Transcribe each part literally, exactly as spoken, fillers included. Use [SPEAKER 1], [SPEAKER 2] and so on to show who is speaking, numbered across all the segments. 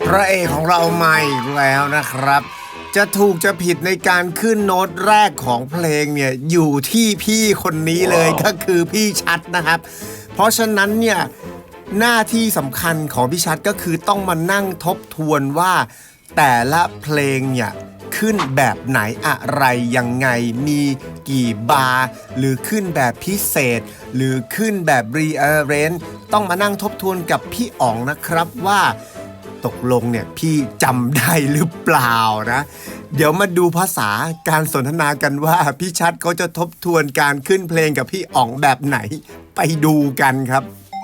[SPEAKER 1] พระเอกของเรามาอีกแล้วนะครับ จะถูกจะผิดในการขึ้นโน้ตแรกของเพลงเนี่ยอยู่ที่พี่คนนี้เลยก็คือพี่ชัดนะครับ เพราะฉะนั้นเนี่ยหน้าที่สำคัญของพี่ชัดก็คือต้องมานั่งทบทวนว่าแต่ละเพลงเนี่ยขึ้นแบบไหนอะไรยังไงมีกี่บาร์หรือขึ้นแบบพิเศษ หรือขึ้นแบบ rearrange ต้องมานั่งทบทวนกับพี่อ๋องนะครับว่าตกลงเนี่ยพี่จำได้หรือเปล่านะเดี๋ยวมาดูภาษาการสนทนากันว่าพี่ชัดเขาจะทบทวนการขึ้นเพลงกับพี่อ๋องแบบไหนไปดูกันครับ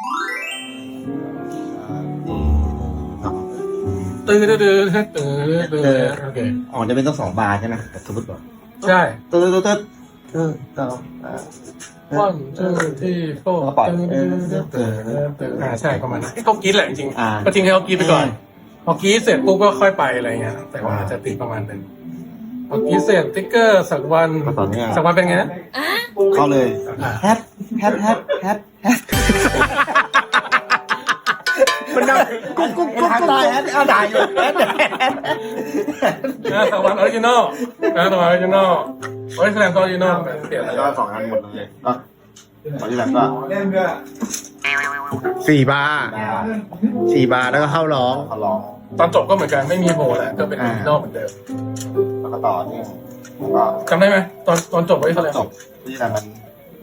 [SPEAKER 2] ตื่นตื่นตื่นตื่นตื่นโอเค
[SPEAKER 3] อ๋อจะเป็นต้องสองบาร์ใช่ไหมแต่สมมติว่า
[SPEAKER 2] ใช่
[SPEAKER 3] ตื่นตื่นตื่นตื่นต่อ
[SPEAKER 2] วันตื่นที่โต้ตื่นตื่นตื่นตื่นอ่าใช่ประมาณนั้นเขากรีดแหละจริงๆก็ทิ้งให้เขากรีดไปก่อนพอกรีดเสร็จปุ๊บก็ค่อยไปอะไรเงี้ยแต่ว่าจะติดประมาณนึงพอกรีดเสร็จติ๊กเกอร์สักวันสักวันเป็นไงนะ
[SPEAKER 3] เข้าเลยแฮปแฮปแฮปแฮปแฮปมันดังกุ๊กกุ๊กกุ๊กได้แฮปเอาได้อยู่แฮป
[SPEAKER 2] นะสักวันออริจินอลนะสักวันออริจินอลออริจินอลออริจินอลเปลี่ยน
[SPEAKER 3] แล้วก็สองอันหมดเลยก็ตอนที่หลังก็
[SPEAKER 1] สี่บาร์สี่บาร์แล้วก็เข้าร้อง
[SPEAKER 3] เขาร้อง
[SPEAKER 2] ตอนจบก็เหมือนกันไม่มีโหแหละก็เป็นออริจินอลเหมือนเดิม
[SPEAKER 3] แล้วก็ต่อนี่ก็
[SPEAKER 2] จำได้ไหมตอนตอนจบไว้เท่าไหร่
[SPEAKER 3] จบที่หลังมัน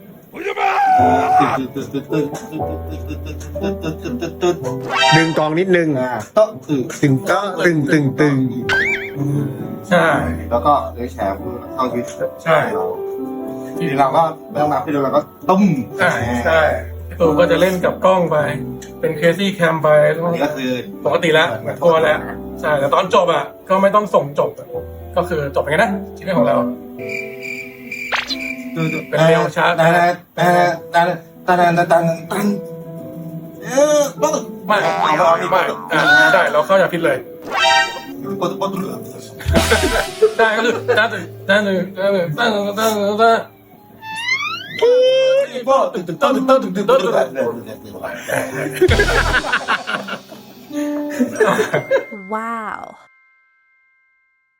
[SPEAKER 3] ตึ๊ด
[SPEAKER 1] ดึงกองนิดนึง
[SPEAKER 3] โต๊ะตึ๊ด
[SPEAKER 1] ตึงก็ตึงตึงตึง
[SPEAKER 2] ใช่
[SPEAKER 3] แล้วก็เลยแชร์เข้ายึด
[SPEAKER 2] ใช่
[SPEAKER 3] ทีเราก็ไม่ต้องนับที่เราก็ตุ้ม
[SPEAKER 2] ใช่ใช่ตูก็จะเล่นกับกล้องไป เป็นเคซี่แคมไป
[SPEAKER 3] อันนี้ก็คือ
[SPEAKER 2] ปกติแล้วกลัวแล้วใช่แต่ตอนจบอ่ะก็ไม่ต้องส่งจบอะก็คือจบเป็นไงนะชีวิตของเรา เป็นเร็วช้า
[SPEAKER 3] แต่แต่แต่แต่แต่แต่แต่เออปุ๊บ
[SPEAKER 2] ไม่ไม่ไม่อ่าได้เราเข้าอย่าพิดเลย
[SPEAKER 3] ปุ๊บปุ๊บ
[SPEAKER 2] ได้ก็คือตั้งตึงตั้งตึงตั้งตึงตั้งตึงตั้งตึงตั้งตึงตึงตั้งตึงตั้งตึงตึงตั้งตึง
[SPEAKER 3] ปุ๊บ
[SPEAKER 4] Wow.